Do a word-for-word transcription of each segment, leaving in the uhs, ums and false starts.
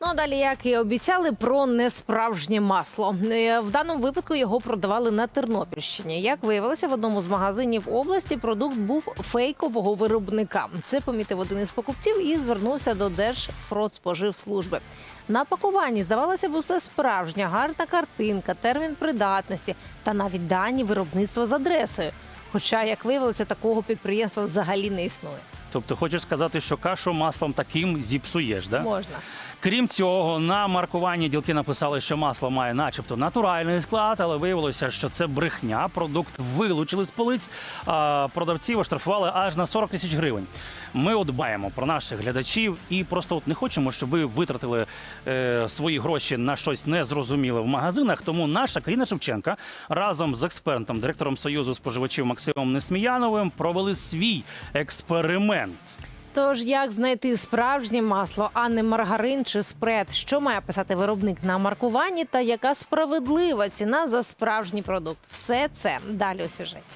Ну, а далі, як і обіцяли, про несправжнє масло. Е, В даному випадку його продавали на Тернопільщині. Як виявилося, в одному з магазинів області продукт був фейкового виробника. Це помітив один із покупців і звернувся до Держпродспоживслужби. На пакуванні, здавалося б, усе справжнє, гарна картинка, термін придатності та навіть дані виробництва з адресою. Хоча, як виявилося, такого підприємства взагалі не існує. Тобто хочеш сказати, що кашу маслом таким зіпсуєш, да? Можна. Крім цього, на маркуванні ділки написали, що масло має начебто натуральний склад, але виявилося, що це брехня. Продукт вилучили з полиць, а продавців оштрафували аж на сорок тисяч гривень. Ми от дбаємо про наших глядачів і просто от не хочемо, щоб ви витратили е, свої гроші на щось незрозуміле в магазинах. Тому наша Каріна Шевченка разом з експертом, директором Союзу споживачів Максимом Несміяновим провели свій експеримент. Тож, як знайти справжнє масло, а не маргарин чи спред? Що має писати виробник на маркуванні та яка справедлива ціна за справжній продукт? Все це далі у сюжеті.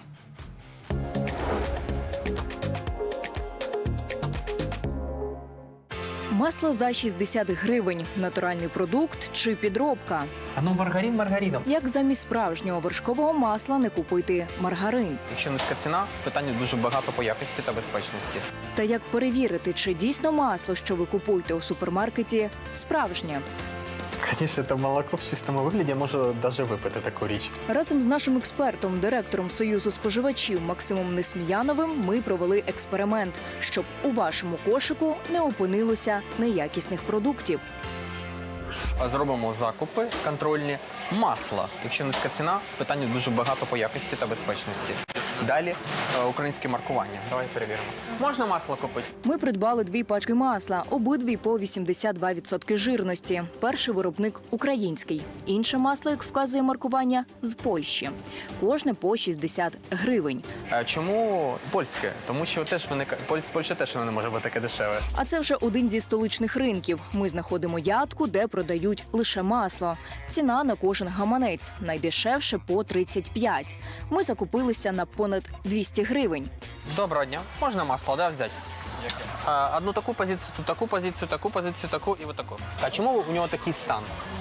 Масло за шістдесят гривень. Натуральний продукт чи підробка? А ну маргарин маргарином. Як замість справжнього вершкового масла не купити маргарин? Якщо низька ціна, питання дуже багато по якості та безпечності. Та як перевірити, чи дійсно масло, що ви купуєте у супермаркеті, справжнє? Звісно, це молоко в чистому вигляді, я можу навіть випити таку річ. Разом з нашим експертом, директором Союзу споживачів Максимом Несміяновим ми провели експеримент, щоб у вашому кошику не опинилося неякісних продуктів. Зробимо закупи контрольні. Масло. Якщо низька ціна, питання дуже багато по якості та безпечності. Далі е, українське маркування. Давай перевіримо. Можна масло купити? Ми придбали дві пачки масла, обидві по вісімдесят два відсотки жирності. Перший виробник український, інше масло, як вказує маркування, з Польщі. Кожне по шістдесят гривень. Е, чому польське? Тому що теж виникає Поль... Польща теж не може бути таке дешеве. А це вже один зі столичних ринків. Ми знаходимо ядку, де продають лише масло. Ціна на кожен гаманець. Найдешевше по тридцять п'ять. Ми закупилися на понад двісті гривень. Доброго дня. Можна масло, да, взяти? Е, одну таку позицію, тут таку позицію, таку позицію, таку і отаку. А чому у нього такий стан?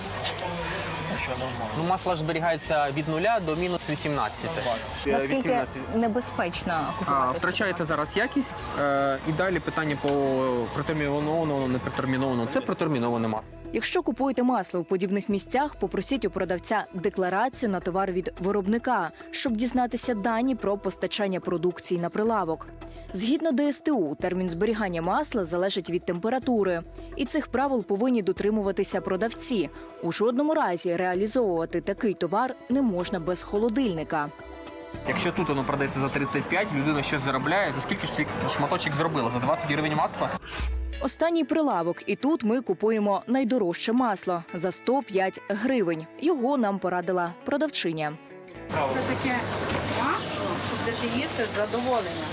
Ну, масло ж зберігається від нуля до мінус вісімнадцяти. Наскільки небезпечно А, купувати? втрачається зараз якість. Е, і далі питання по протермінованому, не протермінованому. Це протерміноване масло. Якщо купуєте масло у подібних місцях, попросіть у продавця декларацію на товар від виробника, щоб дізнатися дані про постачання продукції на прилавок. Згідно Д С Т У, термін зберігання масла залежить від температури. І цих правил повинні дотримуватися продавці. У жодному разі реалізовувати такий товар не можна без холодильника. Якщо тут воно продається за тридцять п'ять, людина щось заробляє. За скільки ж цей шматочок зробила? За двадцять гривень масла? Останній прилавок. І тут ми купуємо найдорожче масло – за сто п'ять гривень. Його нам порадила продавчиня. Це таке масло, щоб будете їсти з задоволенням.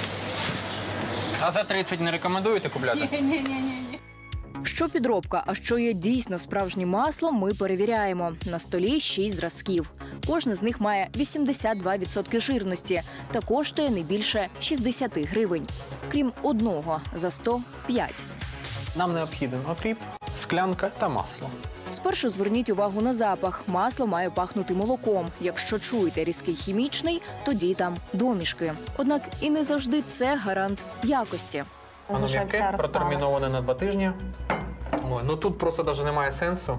А за тридцять не рекомендуєте купляти? Ні-ні-ні. Що підробка, а що є дійсно справжнім маслом, ми перевіряємо. На столі шість зразків. Кожне з них має вісімдесят два відсотки жирності та коштує не більше шістдесят гривень. Крім одного – за сто п'ять. Нам необхіден окріп, склянка та масло. Спершу зверніть увагу на запах. Масло має пахнути молоком. Якщо чуєте різкий хімічний, тоді там домішки. Однак і не завжди це гарант якості. Воно м'яке, протерміноване на два тижні. Ой, ну тут просто навіть немає сенсу.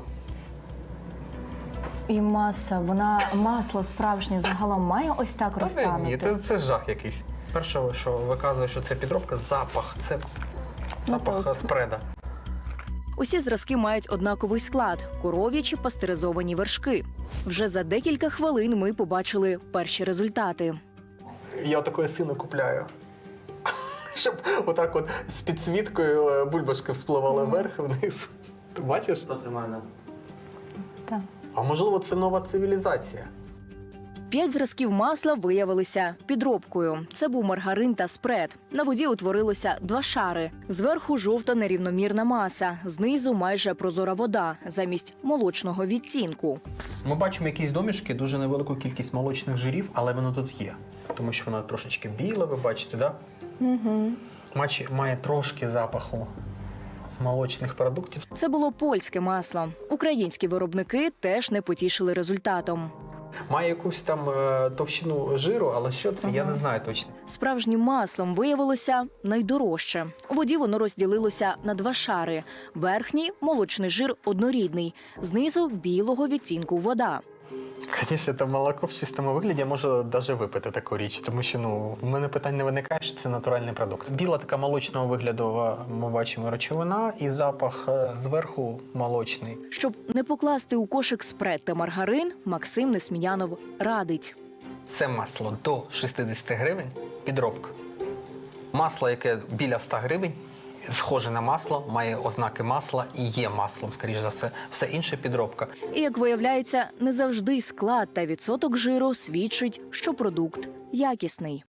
І маса, вона масло справжнє загалом має ось так Та розтанути? ні, це, це жах якийсь. Перше, що виказує, що це підробка, запах. Це запах так. спреда. Усі зразки мають однаковий склад – коров'ячі пастеризовані вершки. Вже за декілька хвилин ми побачили перші результати. Я отакої сину купляю. Щоб отак от з підсвіткою бульбашки вспливали вверх і вниз. Ти бачиш? Так. А можливо, це нова цивілізація? П'ять зразків масла виявилися підробкою. Це був маргарин та спред. На воді утворилося два шари. Зверху жовта нерівномірна маса, знизу майже прозора вода, замість молочного відтінку. Ми бачимо якісь домішки, дуже невелику кількість молочних жирів, але воно тут є. Тому що воно трошечки біле, ви бачите, так? Да? Угу. Має трошки запаху молочних продуктів. Це було польське масло. Українські виробники теж не потішили результатом. Має якусь там е, товщину жиру, але що це, я не знаю точно. Справжнім маслом виявилося найдорожче. У воді воно розділилося на два шари. Верхній – молочний жир однорідний, знизу – білого відтінку вода. Звісно, це молоко в чистому вигляді, я можу навіть випити таку річ, тому що ну, в мене питань не виникає, що це натуральний продукт. Біла така молочного вигляду е, ми бачимо речовина і запах е, зверху молочний. Щоб не покласти у кошик спред та маргарин, Максим Несміянов радить. Це масло до шістдесят гривень – підробка. Масло, яке біля ста гривень, схоже на масло, має ознаки масла і є маслом, скоріш за все. Все інше – підробка. І, як виявляється, не завжди склад та відсоток жиру свідчить, що продукт якісний.